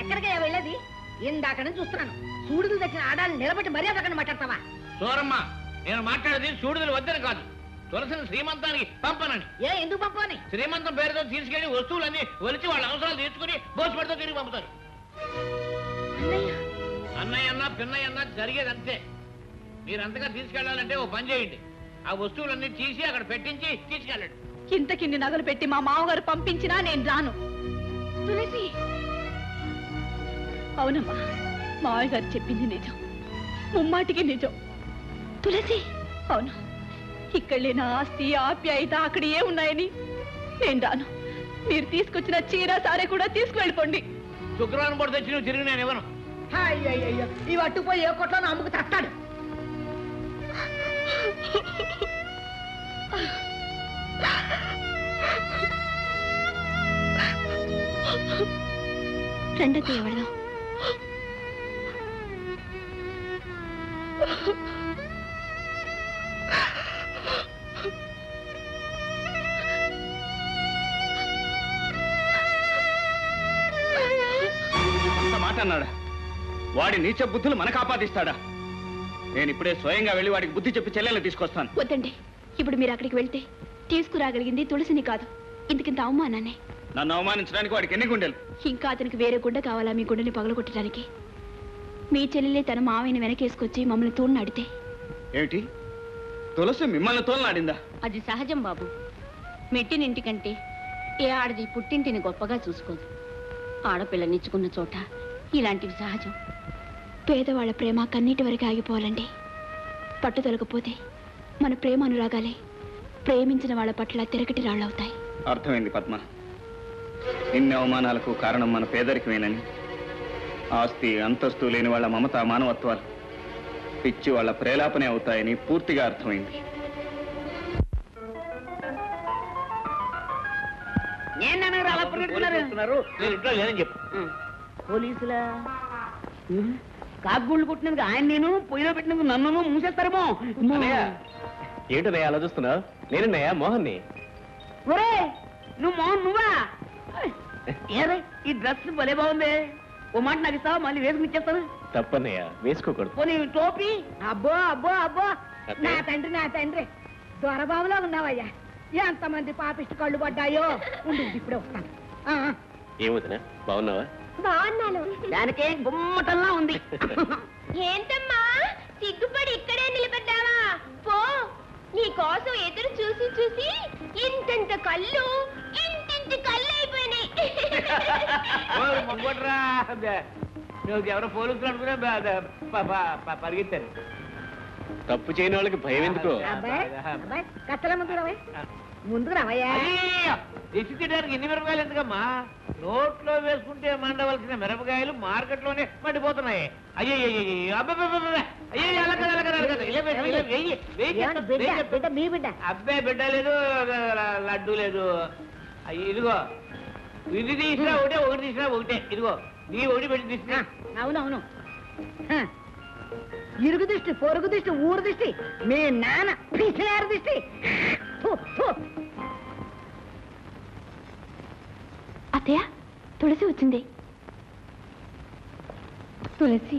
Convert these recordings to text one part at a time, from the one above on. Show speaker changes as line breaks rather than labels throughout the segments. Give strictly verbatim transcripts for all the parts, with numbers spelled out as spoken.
ఎక్కడికయ్యా వెళ్ళేది? ఇందాక నుంచి చూస్తున్నాను. సూడుదలు తెచ్చిన ఆడాలను నిలబెట్టి మర్యాద అక్కడ మాట్లాడతావా?
సూరమ్మ, నేను మాట్లాడేది సూడుదలు వద్దని కాదు, తులసిని శ్రీమంతానికి పంపనని.
ఏ ఎందుకు పంపని?
శ్రీమంతం పేరుతో తీసుకెళ్లి వస్తువులన్నీ ఒలిచి వాళ్ళ అవసరాలు తీర్చుకుని భోజపడితో తిరిగి పంపుతారు. అన్నయ్య అన్నా పిన్నయ్య అన్నా జరిగేది అంతే. మీరంతగా తీసుకెళ్లాలంటే ఓ పని చేయండి, ఆ వస్తువులన్నీ తీసి అక్కడ పెట్టించి తీసుకెళ్ళండి.
ఇంతకిన్ని నగలు పెట్టి మా మామగారు పంపించినా నేను రాను. తులసి, అవునమ్మా, మావయ్య గారు చెప్పింది నిజం, ముమ్మాటికి నిజం. తులసి, అవును, ఇక్కడ లేని ఆస్తి ఆప్యాయత అక్కడ ఏ ఉన్నాయని నేను రాను. మీరు తీసుకొచ్చిన చీర సారే కూడా తీసుకువెళ్ళిపోండి.
శుక్రవారం పూట తెచ్చి నువ్వు తిరిగి నేను ఇవ్వను.
అయ్యయ్యో, ఇవి అట్టుపోయి ఏ కొట్లో అమ్ముకు తట్టాడు.
రెండో ఎవడదాం.
మాట అన్నాడా? వాడి నీచ బుద్ధులు మనకు ఆపాదిస్తాడా? నేను ఇప్పుడే స్వయంగా వెళ్ళి వాడికి బుద్ధి చెప్పి చెల్లెలు తీసుకొస్తాను.
వద్దండి, ఇప్పుడు మీరు అక్కడికి వెళ్తే తీసుకురాగలిగింది తులసిని కాదు, ఇంతకింత అవమానాన్ని.
నన్ను అవమానించడానికి వాడికి ఎన్ని గుండెలు?
ఇంకా అతనికి వేరే గుండె కావాలా మీ గుండెని పగలగొట్టడానికి? మీ చెల్లెలే తన మావయ్యని వెనకేసుకొచ్చి మమ్మల్ని తోడునాడితే
ఏమిటి? తులసి మిమ్మల్ని తోలునాడిందా?
అది సహజం బాబు. మెట్టినింటికంటే ఏ ఆడది పుట్టింటిని గొప్పగా చూసుకోదు. ఆడపిల్లనిచ్చుకున్న చోట ఇలాంటివి సహజం.
పేదవాళ్ల ప్రేమ కన్నీటి వరకు ఆగిపోవాలండి. పట్టుదలకపోతే మన ప్రేమ అనురాగాలే ప్రేమించిన వాళ్ళ పట్ల తిరగటి రాళ్ళవుతాయి.
అర్థమైంది పద్మ. ఇన్ని అవమానాలకు కారణం మన పేదరికమేనని, ఆస్తి అంతస్తు లేని వాళ్ళ మమత మానవత్వాలు పిచ్చి వాళ్ళ ప్రేలాపనే అవుతాయని పూర్తిగా అర్థమైంది.
పోలీసులా కాకుగుళ్ళు కొట్టినందుకు ఆయన నేను పొయ్యిలో పెట్టినందుకు నన్ను మూసేస్తారేమో.
ఏంటన్నయ్య అలా చూస్తున్నావు? నేనన్నయ్య మోహన్ని.
ఒరే, నువ్వు మోహన్ నువ్వా? ఏరే, ఈ డ్రెస్ భలే బాగుంది. ఓ మాట నాకు ఇస్తావా? మళ్ళీ వేసుకుని ఇచ్చేస్తాను.
తప్పన్నయ్య, వేసుకోకూడదు.
పోనీ టోపీ. అబ్బో అబ్బో అబ్బో, నా తండ్రి నా తండ్రి దొరబాబులో ఉన్నావయ్యా. ఎంతమంది పాపిష్టి కళ్ళు పడ్డాయో. ఉండు, ఇప్పుడే వస్తాను.
ఏమవుతున్నా, బాగున్నావా?
బాగున్నాను. దానికే గుమ్మటంలా ఉంది.
ఏంటమ్మా సిగ్గుపడి ఇక్కడే నిలబడ్డావా? పో, నీ కోసం ఎదురు చూసి చూసి ఇంతంత కళ్ళు ఇంతింత కళ్ళు అయిపోయినాయి.
ఎవరో పోలీసులు అనుకున్నా పరిగెత్తారు.
తప్పు చేయని వాళ్ళకి భయం ఎందుకో?
కత్తల ముందు రావయ్య, ముందుకు రావయ్యా.
దిష్టి తీయడానికి ఇన్ని మిరపకాయలు ఎందుకమ్మా? నోట్లో వేసుకుంటే మండవలసిన మిరపకాయలు మార్కెట్లోనే మండిపోతున్నాయి. అయ్యో అబ్బాయి బిడ్డ లేదు, లడ్డు లేదు. ఇదిగో ఇది తీసినా ఒకటే, ఒకటి తీసినా ఒకటే. ఇదిగో నీ ఒకటి పెట్టి తీసినా.
అవునవును, ఇరుగు దిష్టి, పొరుగు దిష్టి, ఊరు దిష్టి, మీ నాన్న పిసినారు దిష్టి.
అత్తయ్య, తులసి వచ్చింది. తులసి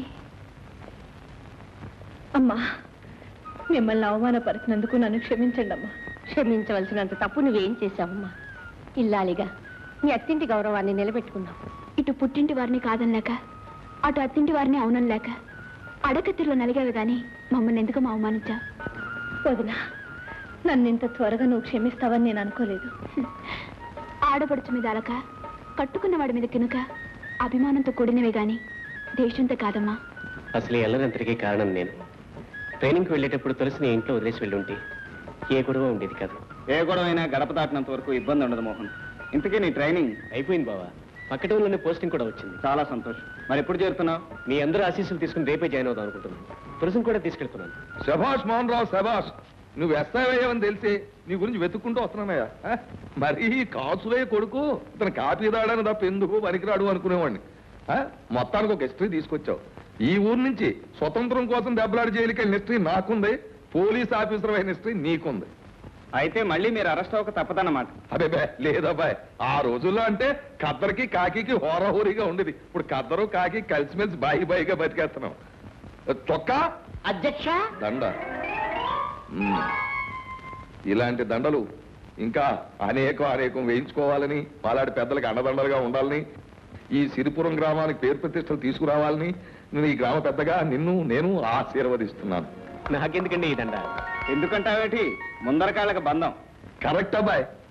అమ్మా, మిమ్మల్ని అవమానపరిచినందుకు నన్ను క్షమించండి అమ్మా.
క్షమించవలసినంత తప్పు నువ్వేం చేశావమ్మా? ఇల్లాలిగా నీ అత్తింటి గౌరవాన్ని నిలబెట్టుకున్నావు.
ఇటు పుట్టింటి వారిని కాదనలేక, అటు అత్తింటి వారిని అవునలేక అడకత్తిలో నలిగావు గాని మమ్మల్ని ఎందుకు అవమానించా? వదినా, నన్ను ఇంత త్వరగా నువ్వు క్షమిస్తావని నేను అనుకోలేదు. ఆడపడుచు మీద అలక, కట్టుకున్న వాడి మీద కినుక అభిమానంతో కూడినవే గాని దేశంతో కాదమ్మా.
అసలు ఎల్లరంతరికీ కారణం నేను. ట్రైనింగ్కి వెళ్ళేటప్పుడు తులసిని ఇంట్లో వదిలేసి వెళ్ళుంటే ఏ గొడవ ఉండేది కాదు.
ఏ గొడవ అయినా గడప దాటినంత వరకు ఇబ్బంది ఉండదు మోహన్. ఇంతకీ నీ ట్రైనింగ్
అయిపోయింది బావా. పక్క టౌన్లోనే పోస్టింగ్ కూడా వచ్చింది.
చాలా సంతోషం. మరి ఎప్పుడు చేరుతున్నావు?
మీ అందరూ ఆశీస్సులు తీసుకుని రేపే జాయిన్ అవుదాం అనుకుంటున్నాను. తులసిని కూడా తీసుకెళ్తున్నాను.
శభాష్ మోహన్ రావు, శభాష్. నువ్వు ఎస్ఐవయ్యావని తెలిసి నీ గురించి వెతుక్కుంటూ వస్తున్నానయ్యా. మరి కాసులే కొడుకు ఇతను కాపీ రాడని తప్ప ఎందుకు పనికిరాడు అనుకునేవాడిని. మొత్తానికి ఒక హిస్టరీ తీసుకొచ్చావు. ఈ ఊరు నుంచి స్వతంత్రం కోసం దెబ్బలాడి జైలుకి వెళ్ళిన హిస్టరీ నాకుంది, పోలీస్ ఆఫీసర్ అయిన హిస్టరీ నీకుంది.
అయితే మళ్ళీ మీరు అరెస్ట్ అవ్వక తప్పదన్నమాట.
అదే బే లేదబ్బాయ్, ఆ రోజుల్లో అంటే కద్దరికి కాకి హోరహోరీగా ఉండేది. ఇప్పుడు కద్దరు కాకి కలిసిమెలిసి బాయి బాయిగా బతికేస్తున్నాం. చొక్కా
అధ్యక్ష
దండ. ఉమ్. ఇలాంటి దండలు ఇంకా అనేకం అనేకం వేయించుకోవాలని, పాలాడి పెద్దలకు అండదండలుగా ఉండాలని, ఈ సిరిపురం గ్రామానికి పేరు ప్రతిష్టలు తీసుకురావాలని నేను ఈ గ్రామ పెద్దగా నిన్ను నేను ఆశీర్వదిస్తున్నాను.
నాకెందుకండి ఈ దండ?
ఎందుకంటావేటి, ముందరకాళ్ళకి బంధం.
కరెక్ట్ అబ్బాయ్.